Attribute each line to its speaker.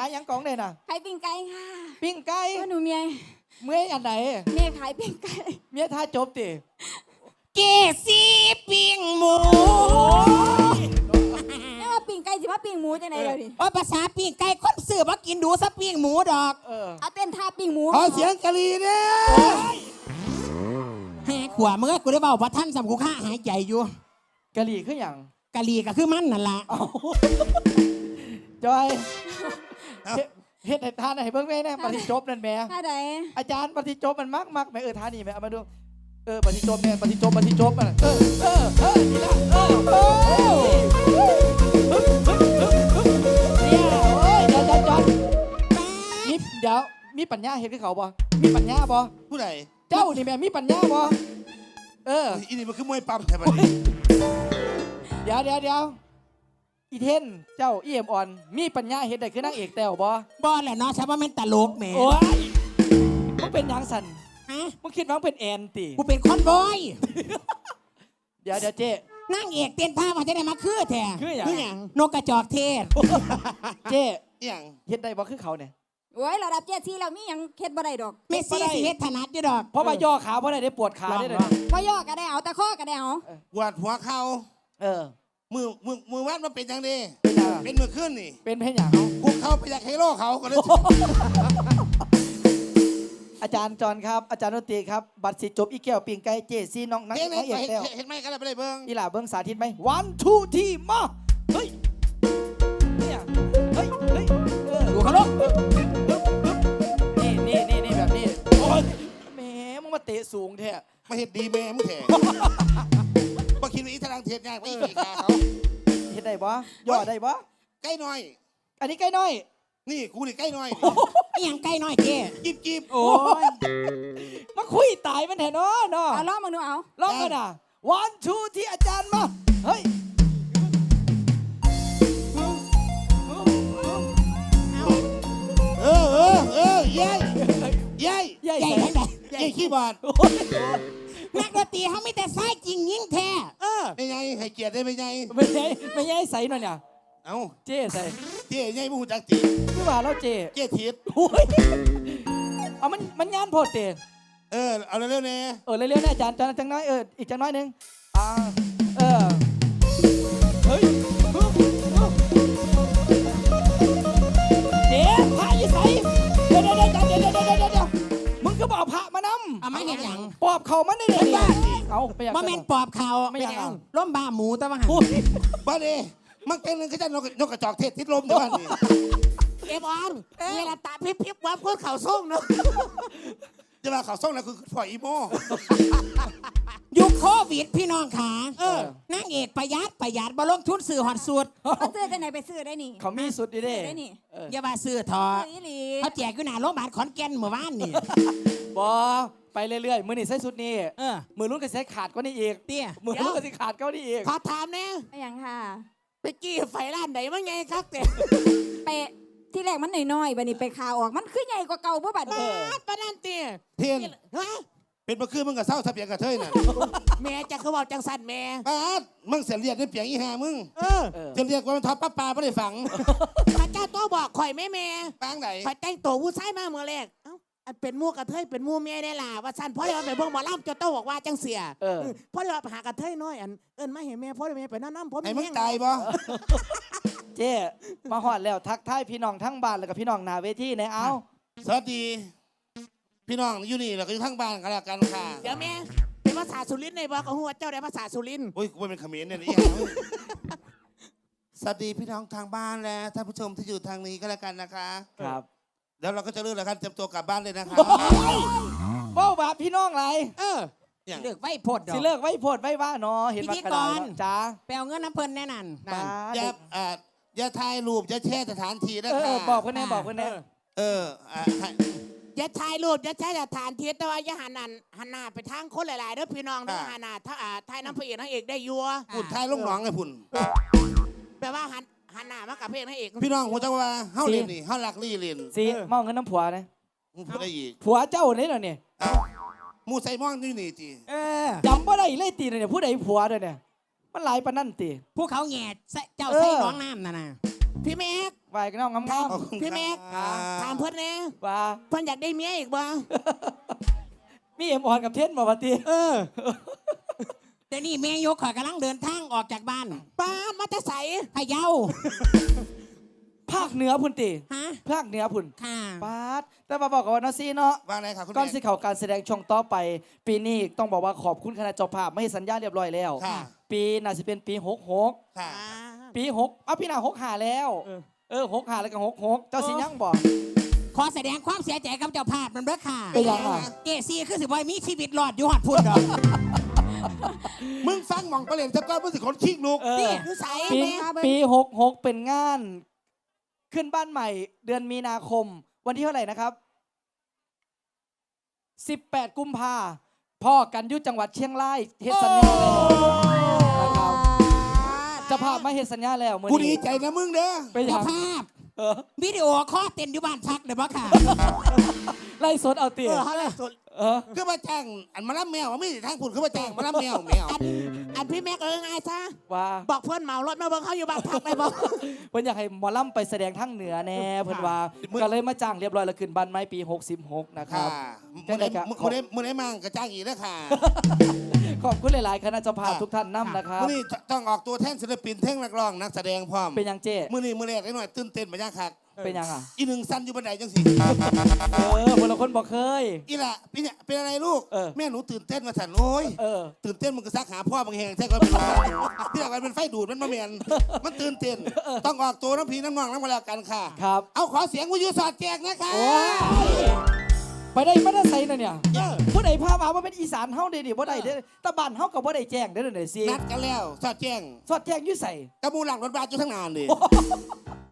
Speaker 1: ายยังกองเลยน่ะ
Speaker 2: ขายปิ้งไก่ค่ะ
Speaker 1: ปิ้งไก่
Speaker 2: หนูเมีย
Speaker 1: อันไหน
Speaker 2: เมียขายปิ้งไก่
Speaker 1: เมียท่าจบติ
Speaker 3: เกซีปิ้งหมู
Speaker 2: นี่ว่าปิ้งไก่สิว่าปิ้งหมูจังไหนเลยดิ
Speaker 3: ภาษาปิ้งไก่คนซื้อมากินดูซะปิ้งหมูดอก
Speaker 2: เอาเต้นท่าปิ้งหมู
Speaker 4: ขอเสียงกะลีเนี่ย
Speaker 3: แหกขวาเมื่อกูได้เบาพระท่านสำกูฆ่าหายใจอยู่
Speaker 1: กะหรี่คืออย่าง
Speaker 3: กะลีก็คือมันนั่นล่ะ
Speaker 1: จอยเฮ็ดให้ทานให้เบิ่งแม่แน่ปฏิจบนั่นแม่
Speaker 2: ท่าใด
Speaker 1: อาจารย์ปฏิจบมันมักแม่ท่านี่แม่เอามาดูปฏิจบแม่ปฏิจบมันนี่ละเนี่ยโอ้ยเดี๋ยวมีปัญญาเฮ็ดคือเขาบ่มีปัญญาบ่
Speaker 4: ผู้ใด
Speaker 1: เจ้านี่แม่มีปัญญาบ่
Speaker 4: อีนี่มันคือมวยปั๊มแท้บัดนี้
Speaker 1: เดี๋ยวอีเทนเจ้าอีเอ็มอ่อนมีปัญญาเฮ็ดได้คือนางเอกแต้ว
Speaker 3: บ่แหละเนาะใช่ว่ามันตลกแหม
Speaker 1: โอ้ยมึงเป็นหยังสั่นมึงคิดว่ามึงเป็นแอนติ
Speaker 3: กูเป็นคอนบอย
Speaker 1: เดี๋ยวเจ๊
Speaker 3: นางเอกเต้นท่ามาจะได้มาคือแท้
Speaker 1: คืออย่าง
Speaker 3: นกกระจอกเทศ
Speaker 1: เจ๊
Speaker 4: อย่าง
Speaker 1: เฮ็ดได้บ่คือเขาเนี่ย
Speaker 2: โอ้ยระดับเจ๊ซี่แล้วมีหยังเฮ็ดบ่ได้ดอก
Speaker 3: เมสซี่สิเฮ็ดถนัดอยู่ดอก
Speaker 1: เพราะว่าย่อขาบ่ได้ปวดขาได้เลย
Speaker 2: บ่ย่อก็ได้เอาแต่ข้อก็ได้เอา
Speaker 4: ปวดหัวเข่ามือวัดมันเป็นยังดีเป็นมือขึ้นนี่
Speaker 1: เป็นเพลงอย่าง
Speaker 4: กูเข้าไปอยากเฮโร่เขาก็เลย
Speaker 1: อาจารย์จอนครับอาจารย์ดนตรีครับบัตรสิจบอีแก้วปิ่งไก่เจซี่น้องนักเอกแล้ว
Speaker 4: เห็นไหมกันเลยไปเลยเบิ้ง
Speaker 1: อีหล่าเบิ้งสาธิตไหม1 2 3มาเฮ้ยเนี่ยเฮ้ย
Speaker 3: ดูเขาลูก
Speaker 1: นี่แบบนี้โอ้ยแหมมึงมาเตะสูงแท้
Speaker 4: มาเห็ดดีแม่มึงแท้มาคิดว่าอีทางเทียนง่ายไม่อีกขาเขา
Speaker 1: เห็ดได้บ่ย่อได้บ่
Speaker 4: ใกล้หน่อย
Speaker 1: อันนี้ใกล้น้อย
Speaker 4: นี่กูนี่ใกล้หน่อย
Speaker 3: ยังใกล้น้อยเจ๊
Speaker 4: จีบ
Speaker 1: โอ้ยมาคุยตายมันแท้เนาะ
Speaker 2: เอาลองมาดูเอา
Speaker 1: ลองกันอ่ะ1 2ที่อาจารย์มาเฮ้ย
Speaker 4: ยัยขี้บาด
Speaker 3: นักดนตรีเขาไม่แต่ไส้จริงยิ่งแท้
Speaker 4: ไม่ไงให้เกียรติได้ไม่ไง
Speaker 1: ไม่ไงใส่หน่อยเนี่ย
Speaker 4: เอา
Speaker 1: เจ๊ใส่
Speaker 4: เจ๊ไงมูจักตี
Speaker 1: คือว่าแล้วเจ๊
Speaker 4: ทิศ
Speaker 1: เอามันย่านโพดเต
Speaker 4: เอาเร็วๆเนี่ย
Speaker 1: เร็วๆเนี่ยอาจารย์จังน้อยอีกจังน้อยนึงเฮ้ยเจ๊พระยี่ใส่เดี๋ยวมึงก็บอกพระมานำ
Speaker 3: เอาไม่เห็นอย่าง
Speaker 1: ปอบเขามันได้เลยเอาไปอย่าง
Speaker 3: ว่าแม่นปอบเขา
Speaker 1: ไม่อย่าง
Speaker 3: ล้มบ้าหมูแต่ว่าหัน
Speaker 4: บ้าดิมันเป็นเรื่องขยันนกกระจอกเทศทิศลมเดี๋ยวนี้
Speaker 3: เอฟออนเวลาตาพิบว่าพูดเข่าส่งเนาะ
Speaker 4: จะมาเข่าส่งแล้วคือปล่อยอีโม
Speaker 3: ยุคโควิดพี่น้องขานางเอกประหยัดบ่ลงทุนซื้อหอดสุด
Speaker 2: เขาซื้อที่ไหนไปซื้อได้นี่
Speaker 1: เขามีสุดดิเด้
Speaker 3: อย่ามาซื้อทอเขาแจกอยู่หน้าโรงพยาบาลขอนแก่นเมื่อวานนี่
Speaker 1: บอไปเรื่อยๆมือนี่ใส่สุดนี่มือรุ่นก็ใส่ขาดก็นี่อีก
Speaker 3: เตี้ย
Speaker 1: มือรุ่นก็ใส่ขาดก็นี่อีก
Speaker 3: ขอถามเนี่ย
Speaker 2: อย่างค่ะ
Speaker 3: ไปจี้ไฟร้านไหนว่าไงครับเต้
Speaker 2: ไปที่แรกมันน้อยๆบัดนี้ไปข่าวออกมันขึ้นใหญ่กว่าเก่าบ่บัด
Speaker 3: ปนันเตี้ย
Speaker 4: เทียนเป็นเมื่อคืนมึงกับเศร้าทับเปียงกับเทยน่ะ
Speaker 3: แม่จะเขาบอกจังสันแม่
Speaker 4: มึงเสียเรียกได้เปียงอีห่ามึงจะเรียกว่ามันทอดป้าไม่ได้ฝัง
Speaker 3: พระเจ้าโตบอกข่อยแม่
Speaker 4: ปังไหน
Speaker 3: ข่อยแต่งตัวผู้ชายมาเมื่อแรกเป็นมู่กระเทยเป็นมู่แม่ได้ล่ะว่าสันพ่อเดี๋ยวไปเบิ่งหมอลำจะโตบอกว่าจังเสียพ่อเดี๋ยวไปหากระเทยน้อยไม่เห็นแม่พ่อเดี๋ยวแม่ไปนั่นผม
Speaker 4: ไอ้มึงตายบ่
Speaker 1: เจ๊มาหอดแล้วทักทายพี่น้องทั้งบ้านแล้วกับพี่น้องหน้าเวทีเนี่ยเอา
Speaker 4: สวัสดีพี่น้องอยู่นี่แล้วก็อยู่ทั้งบ้านกันแล้วกันค่ะ
Speaker 3: เดี๋ยวแม่เป็นภาษาสุรินทร์ในบอกกับหัวเจ้าได้ภาษาสุรินทร์
Speaker 4: โอ้ยกูเป็นเขมรเนี่ยนี่สวัสดีพี่น้องทางบ้านและท่านผู้ชมที่อยู่ทางนี้ก็แล้วกันนะคะ
Speaker 1: ครับ
Speaker 4: แล้วเราก็จะเลิกแล้วครับเตรียมตัวกลับบ้านเลยนะคะ
Speaker 1: เบ้าบาพี่น้องไร
Speaker 3: เลิกไว้พด
Speaker 1: สิเลิกไว้พดไว้ว่าเนาะเห็นมากระดานจ้า
Speaker 3: ไปเอาเงินน้ำเพลินแน่นัน
Speaker 4: อย่าถ่ายรูปอย่าแช่สถานที่นะคะ
Speaker 1: บอกคนแน่
Speaker 3: อย่าถ่ายรูปอย่าแช่สถานที่แต่ว่าอย่าหันหน้าไปทางคนหลายๆเด้อพี่น้องเด้อหันหน้าถ้าถ่ายน้ำพระเอกนางเอกได้ยัว
Speaker 4: พุ่นถ่ายลูกน้องไงพุ่น
Speaker 3: แปลว่าหันหน้ามากับเพลงนางเอก
Speaker 4: พี่น้องผมจะว่าเฮาเรียนนี่เฮาลักลี่เรียน
Speaker 1: สิมองเงินน้ำผัวนะ
Speaker 4: มึงพูดได้อีก
Speaker 1: ผัวเจ้าเนี่ยเหรอเนี่ย
Speaker 4: มูใส่มองนี่นี่จี
Speaker 1: จำว่าได้เลยตีเนี่ยผู้ใดผัวด้วยเนี่ยมันหลายปนั่นตี
Speaker 3: ผู้เขาแง่เจ้าใส่น้องน้ำน่ะพี่แม็ก
Speaker 1: ไหวกันน้องงาม
Speaker 4: ขอบคุณ
Speaker 3: พี่แม็ก
Speaker 4: ครับ
Speaker 3: ถามเพิ่นแน่
Speaker 1: ๆว่า
Speaker 3: เพิ่นอยากได้เมียอีกบ่
Speaker 1: มีเอ็มออนกับเทนบ่ปะติ
Speaker 5: แต่นี่แม่ยกข่อยกำลังเดินทางออกจากบ้าน
Speaker 3: ป้ามาจะใส่
Speaker 5: พะเยา
Speaker 1: ภาคเหนือพุ่นติ
Speaker 5: ฮะ
Speaker 1: ภาคเหนือพุ่น
Speaker 5: ค่ะ
Speaker 1: ปาดแต่มาบอกกับว่าเนาะซีเนาะ
Speaker 4: ว่าไงครับคุณ
Speaker 1: ก่อน
Speaker 4: แม่
Speaker 1: สิเข้าการแสดงช่วงต่อไป ปีนี้ต้องบอกว่าขอบคุณคณะเจ้าภาพไม่ให้สัญญาเรียบร้อยแล้ว
Speaker 4: ค่ะ
Speaker 1: ปีน่าจะเป็นปี66
Speaker 4: ค่ะ
Speaker 1: ปี6เอาพี่หน้า65แล้ว65แล้วก็66เจ้าสิยังบ่
Speaker 5: ขอแสดงความเสียใจกับเจ้าภาพมันเด้อค่ะ
Speaker 1: เป็นยังไง
Speaker 5: เจซี่คือสิบอยมีชีวิตรอดอยู่หอดพุ่นดอก
Speaker 4: มึงฟังหม่องประเล่นสักก้อนมึงสิคนขี้ลูก
Speaker 5: นี่
Speaker 3: คือใส่
Speaker 1: ปี
Speaker 3: แม่
Speaker 1: ปี66เป็นงาน ขึ้นบ้านใหม่เดือนมีนาคม วันที่เท่าไหร่นะครับ 18 กุมภาพ่อกันอยุจังหวัดเชียงรายเฮ็ดสัญญาแล้วนะครับเจะพาพมาเฮ็ดสัญญาแล้วมื้อ
Speaker 4: กูดี
Speaker 1: นี้
Speaker 4: ใจนะมึงเด้อ
Speaker 1: เป็นหยั
Speaker 5: เจ้าง ภาพ
Speaker 1: เออ
Speaker 5: วิดีโอคอลเต้นอยู่บ้านพักเด้อบ่ค่ะ
Speaker 1: ไล่สดเอาเตีย
Speaker 3: เขาเลยสุด
Speaker 1: เออ
Speaker 4: คือมาจ้างอันมาล่ำแมวว่าไม่ได้ทางคุณคือมาจ้างมาล่ำแมว
Speaker 3: อันพี่แม็กง่ายซะ
Speaker 1: ว่า
Speaker 3: บอกเพื่อนเหมารถมาเบิ่งเขาอยู่บ้านพักไปบอก
Speaker 1: เพิ่นอยากให้หมอลำไปแสดงทั้งเหนือแน่เพิ่นว่าก็เลยมาจ้างเรียบร้อยแล้วขึ้นบ้านไม้ปี66นะค
Speaker 4: ค่ะ
Speaker 1: รับ
Speaker 4: มึงได้มั่งกระจ้างอีกแล้วค่ะ
Speaker 1: ขอบคุณหลาย ๆ คณะเจ้าภาพทุกท่านนำนะครับ
Speaker 4: มึงนี่ต้องออกตัวแท่นศิลปินเท่งนักร้องนักแสดงพร้อม
Speaker 1: เป็นยังเจ้
Speaker 4: มึงนี่มือแรกได้หน่อยตื่นเต้นมาย่างคัก
Speaker 1: เป็นยังอ่ะ
Speaker 4: อีหนึ่งสั้นอยู่บันไดจังสิ
Speaker 1: คนละคนบอกเคย
Speaker 4: อีล่ะพี่เนี่ยเป็นอะไรลูก
Speaker 1: เออ
Speaker 4: แม่หนูตื่นเต้นมาสั่นโอ้ย
Speaker 1: เออ
Speaker 4: ตื่นเต้นมึงก็ซักหาพ่อมึงแหงแท้ก็เป็นที่หลังมันเป็นไฟดูดมันมาเมียนมันตื่นเต้นต้องออกตัวน้ำพีน้ำนองน้ำมาแล้วกันค่ะ
Speaker 1: ครับ
Speaker 4: เอาขอเสียงวิทยุสอดแจกนะคะ
Speaker 1: โอ้ยไปได้มาได้ใส่น่ะเนี่ยผู้ใดพามาว่าเป็นอีสานเฮาเด้ดิบ่ได้เด้ตะบ้านเฮาก็บ่ได้แจ้งเด้อเด้อสิ
Speaker 4: นัดกันแล้วสอดแจ้ง
Speaker 1: สอดแจ้งอยู่ใส่
Speaker 4: กระมูหลังรถบัสอยู่ทั้งนานเลย